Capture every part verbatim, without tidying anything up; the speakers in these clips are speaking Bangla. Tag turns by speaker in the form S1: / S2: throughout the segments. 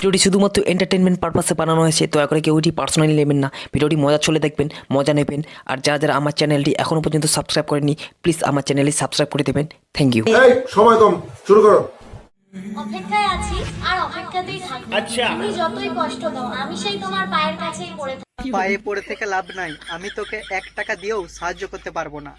S1: ভিডিওটি শুধুমাত্র এন্টারটেনমেন্ট পারপাসে বানানো হয়েছে, দয়া করে কেউ এটি পার্সোনালি নেবেন না। ভিডিওটি মজা চলে দেখবেন, মজা নেবেন। আর যারা যারা আমার চ্যানেলটি এখনো পর্যন্ত সাবস্ক্রাইব করেনি, প্লিজ আমার চ্যানেলটি সাবস্ক্রাইব করে দেবেন। Thank you.
S2: এই সময় কম, শুরু করো।
S3: অপেক্ষায় আছি আর অপেক্ষাতেই থাকবো।
S4: আচ্ছা।
S3: তুমি যতই কষ্ট দাও আমি সেই তোমার পায়ের কাছেই পড়ে থাকি।
S5: পায়ে পড়ে থেকে লাভ নাই, আমি তোকে এক টাকা দিয়েও সাহায্য করতে পারবো না।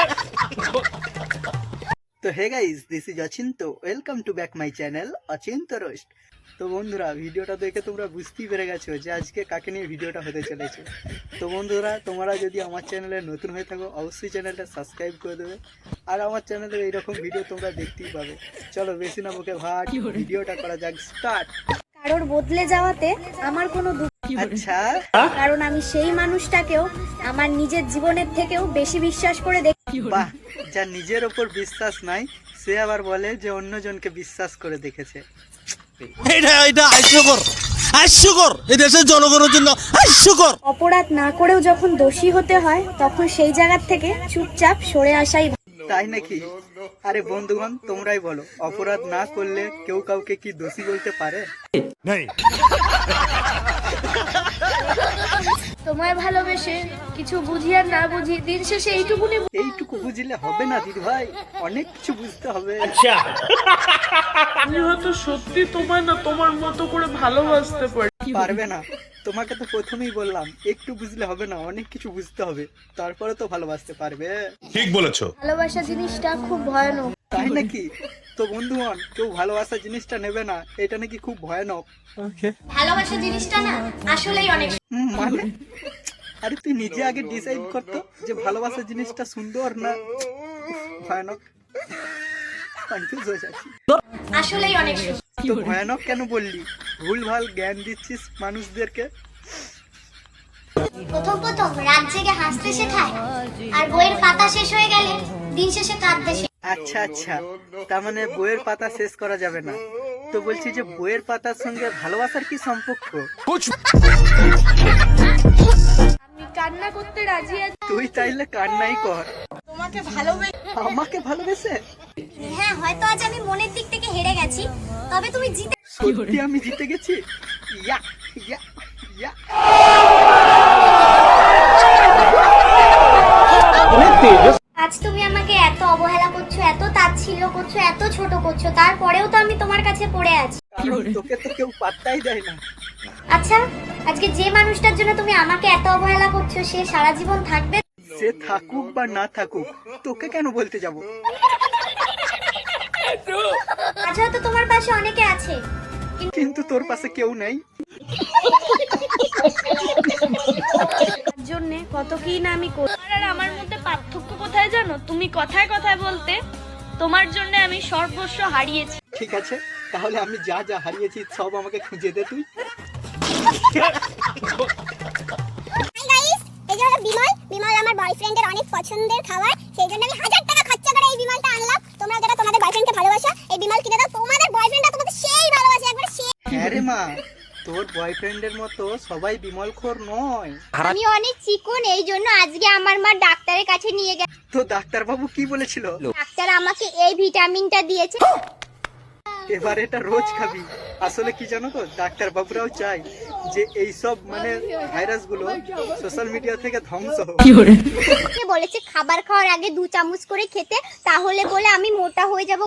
S5: তো hey guys, this is Achinta, welcome to back my channel Achinta roast. তো বন্ধুরা, ভিডিওটা দেখে তোমরা বুঝতেই পেরে গেছো যে আজকে কাকে নিয়ে ভিডিওটা হতে চলেছে। তো বন্ধুরা, তোমরা যদি আমার চ্যানেলে নতুন হয়ে থাকো অবশ্যই চ্যানেলটা সাবস্ক্রাইব করে দেবে। আর আমার চ্যানেলে এইরকম ভিডিও তোমরা দেখতেই পাবে। চলো বেশি না বকে ভাট, ভিডিওটা করা যাক স্টার্ট।
S3: কারোর বদলে যাওয়াতে আমার কোনো দুঃখ,
S5: আচ্ছা,
S3: কারণ আমি সেই মানুষটাকেও আমার নিজের জীবনের থেকেও বেশি বিশ্বাস করে দেখি।
S5: বাহ, যার নিজের ওপর বিশ্বাস নাই সে আবার বলে যে অন্যজনকে বিশ্বাস করে দেখেছে।
S4: এটা এটা হাস্যকর, হাস্যকর এই দেশের জনগণের জন্য হাস্যকর।
S3: অপরাধ না করেও যখন দোষী হতে হয় তখন সেই জায়গা থেকে চুপচাপ সরে আসাই ভালো।
S5: তাই নাকি? আরে বন্ধুগণ, তোমরাই বলো, অপরাধ না করলে কেউ কাউকে কি দোষী বলতে পারে?
S3: তোমায় ভালোবেসে কিছু বুঝি আর না বুঝি দিন শেষে এইটুকুনি
S5: এইটুকু বুঝলে হবে না দিদি ভাই, অনেক কিছু বুঝতে হবে।
S4: আচ্ছা,
S6: আমি হয়তো সত্যি তোমায় না তোমার মতো করে ভালোবাসতে পারি।
S5: পারবে না? তোমাকে তো প্রথমেই বললাম একটু বুঝলে হবে না, অনেক কিছু বুঝতে হবে, তারপরে তো ভালোবাসতে পারবে।
S7: ঠিক বলেছো।
S3: ভালোবাসা জিনিসটা খুব ভয়ানক।
S5: তাই নাকি? তো বন্ধুগণ, কেউ ভালোবাসা জিনিসটা নেবে না, এটা নাকি খুব ভয়ানক।
S3: ভালোবাসা জিনিসটা না আসলেই অনেক
S5: হুম, মানে আরে তুই নিজে আগে ডিসাইড করতো যে ভালোবাসা জিনিসটা সুন্দর না ভয়ানক। কনফিউজ হয়ে যাচ্ছি।
S3: আসলেই অনেক
S5: তো ভয়ানক কেন বললি? ভুলভাল জ্ঞান দিচ্ছিস মানুষদেরকে।
S8: প্রথম প্রথম রাত জেগে হাসতে শেখায়, আর বইয়ের পাতা শেষ হয়ে গেলে দিন শেষে কাঁদতে শেখায়।
S5: আচ্ছা আচ্ছা, তার মানে বইয়ের পাতা শেষ করা যাবে না। তো বলছি যে বইয়ের পাতার সঙ্গে ভালোবাসার কি সম্পর্ক?
S3: আমি কান্না করতে রাজি আছি।
S5: তুই তাইলে কান্নাই কর।
S6: তোমাকে ভালোবেসে
S5: আমাকে ভালোবেসে?
S8: হ্যাঁ, হয়তো আজ আমি মনের দিক থেকে হেরে গেছি, তবে তুমি জিতে।
S5: সত্যি আমি জিতে গেছি? ইয়া ইয়া ইয়া।
S8: আজ তুমি আমাকে এত অবহেলা করছো, এত তাচ্ছিল্য করছো, এত ছোট করছো, তারপরেও তো আমি তোমার কাছে পড়ে আছি।
S5: কারণ তোকে তো কেউ পাত্তাই দেয় না।
S8: আচ্ছা, আজকে যে মানুষটার জন্য তুমি আমাকে এত অবহেলা করছো সে সারা জীবন থাকবে?
S5: সে থাকুক বা না থাকুক, তোকে কেন বলতে যাব?
S8: আজ হয়তো তোমার পাশে অনেকে আছে,
S5: কিন্তু তোর পাশে কেউ নেই।
S3: জন্য কত কি না আমি করি। আর আমার মধ্যে পার্থক্য কোথায় জানো? তুমি কথায় কথায় বলতে তোমার জন্য আমি সর্বস্ব হারিয়েছি।
S5: ঠিক আছে, তাহলে আমি যা যা হারিয়েছি সব আমাকে খুঁজে দে তুই।
S8: এই যে হলো বিমল। বিমল আমার বয়ফ্রেন্ডের অনেক পছন্দের খাবার, সেই জন্য আমি হাজার টাকা খরচা করে এই বিমলটা আনলাম। তোমরা যারা তোমাদের বয়ফ্রেন্ডকে ভালোবাসো এই বিমল কিনে দাও, তোমাদের বয়ফ্রেন্ডটা তোমাদের সেই ভালোবাসে, একবার সেই।
S5: হ্যাঁ রে মা, তোর বয়ফ্রেন্ডের মতো সবাই বিমলখোর নয়।
S8: আমি অনেক চিকন, এই জন্য আজকে আমার মা ডাক্তারের কাছে নিয়ে গেছে।
S5: তো ডাক্তারবাবু কি বলেছিল?
S8: ডাক্তার আমাকে এই ভিটামিনটা দিয়েছে।
S5: এবার এটা রোজ খাবি। আসলে কি জানো তো, ডাক্তার বাবুরাও চাই যে এইসব মানে ভাইরাস গুলো সোশ্যাল মিডিয়া থেকে ধ্বংস হোক।
S8: বলেছে খাবার খাওয়ার আগে দু চামচ করে খেতে, তাহলে বলে আমি মোটা হয়ে যাব।